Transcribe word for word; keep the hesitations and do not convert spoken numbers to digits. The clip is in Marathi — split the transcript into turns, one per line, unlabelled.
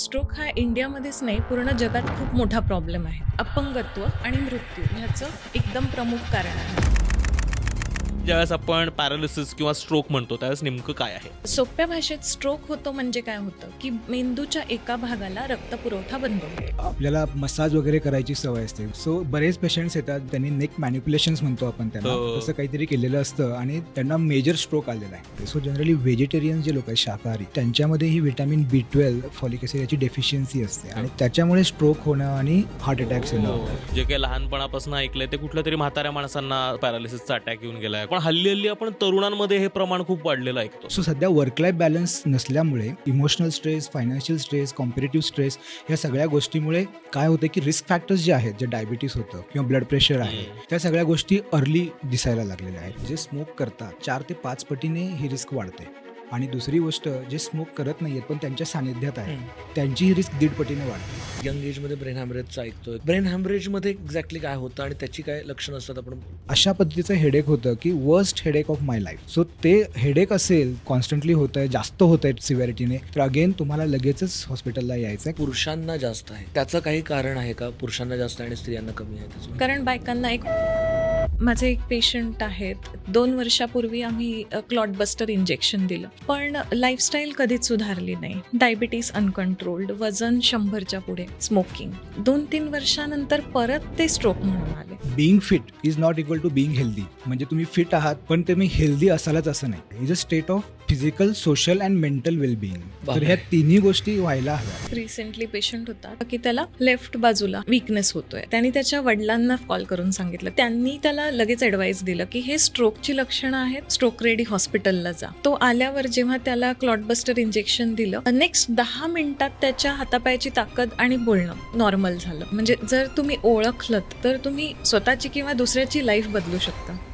स्ट्रोक हा इंडियामध्येच नाही पूर्ण जगात खूप मोठा प्रॉब्लेम आहे. अपंगत्व आणि मृत्यू ह्याचं एकदम प्रमुख कारण आहे.
ज्यावेळेस आपण पॅरालिसिस किंवा स्ट्रोक म्हणतो त्यावेळेस नेमकं काय आहे?
सोप्या भाषेत स्ट्रोक होतो म्हणजे काय होतं की मेंदूच्या एका भागाला रक्तपुरवठा बंद होतो.
आपल्याला मसाज वगैरे करायची सवय असते. सो बरेच पेशंट्स येतात, त्यांनी नेक मॅनिप्युलेशन्स म्हणतो आपण त्यांना,
हो.
तसं काहीतरी केलेलं असतं आणि त्यांना मेजर स्ट्रोक आलेला आहे. सो जनरली व्हेजिटेरियन जे लोक आहेत शाकाहारी, त्यांच्यामध्ये ही vitamin B twelve folic acid याची डेफिशियन्सी असते आणि त्याच्यामुळे स्ट्रोक होणं आणि हार्ट अटॅक्स येणं.
हो. जे काही लहानपणापासून ऐकलंय ते कुठल्या तरी म्हाताऱ्या माणसांना पॅरालिसिसचा अटॅक येऊन गेलाय, पण हल्ली हल्ली आपण तरुणांमध्ये हे प्रमाण खूप वाढलेलं ऐकतो.
सो सध्या वर्क लाईफ बॅलन्स नसल्यामुळे emotional stress, financial stress, competitive stress या सगळ्या गोष्टीमुळे काय होतं की रिस्क फॅक्टर्स जे आहेत, जे डायबिटीस होतं किंवा ब्लड प्रेशर आहे, त्या सगळ्या गोष्टी अर्ली दिसायला लागलेल्या आहेत. जे स्मोक करतात चार ते पाच पटीने ही रिस्क वाढते. आणि दुसरी गोष्ट, जे स्मोक करत नाहीयेत पण त्यांच्या सानिध्यात आहे, त्यांची ही रिस्क दीड पटीने वाढते.
यंग एजमध्ये ब्रेन हॅमरेजचं ऐकतोय. ब्रेन हॅमरेजमध्ये एक्झॅक्टली काय होतं आणि त्याची काय लक्षणं असतात आपण?
अशा पद्धतीचं हेडेक होतं की worst headache of my life. So ते हेडेक असेल, कॉन्स्टंटली होत आहे, जास्त होत आहे सिव्हिरिटीने, तर अगेन तुम्हाला लगेचच हॉस्पिटलला यायचं आहे.
पुरुषांना जास्त आहे, त्याचं काही कारण आहे का? पुरुषांना जास्त आणि स्त्रियांना कमी आहे त्याचं?
कारण बायकांना एक माझे एक पेशंट आहेत, दोन वर्षापूर्वी आम्ही क्लॉटबस्टर इंजेक्शन दिलं, पण लाईफस्टाईल कधीच सुधारली नाही. डायबिटीस अनकंट्रोल्ड, वजन शंभरच्या पुढे, स्मोकिंग. दोन तीन वर्षानंतर परत ते स्ट्रोक म्हणून आले.
Being fit is not equal to being healthy. म्हणजे तुम्ही फिट आहात पण तुम्ही हेल्दी असालच असं नाही. Is a state of physical, social and mental wellbeing. तर ह्या तिन्ही गोष्टी व्हायला हव्या.
रिसेंटली पेशंट होता की त्याला लेफ्ट बाजूला विकनेस होतोय. त्यांनी त्याच्या वडिलांना कॉल करून सांगितलं. त्यांनी त्याला लगेच ऍडवाइस दिलं की हे स्ट्रोकची लक्षणं आहेत, स्ट्रोक रेडी हॉस्पिटलला जा. तो आल्यावर जेव्हा त्याला क्लॉटबस्टर इंजेक्शन दिलं, नेक्स्ट दहा मिनिटात त्याच्या हातापायाची ताकद आणि बोलणं नॉर्मल झालं. म्हणजे जर तुम्ही ओळखलत तर तुम्ही स्वतःची किंवा दुसऱ्याची लाईफ बदलू शकता.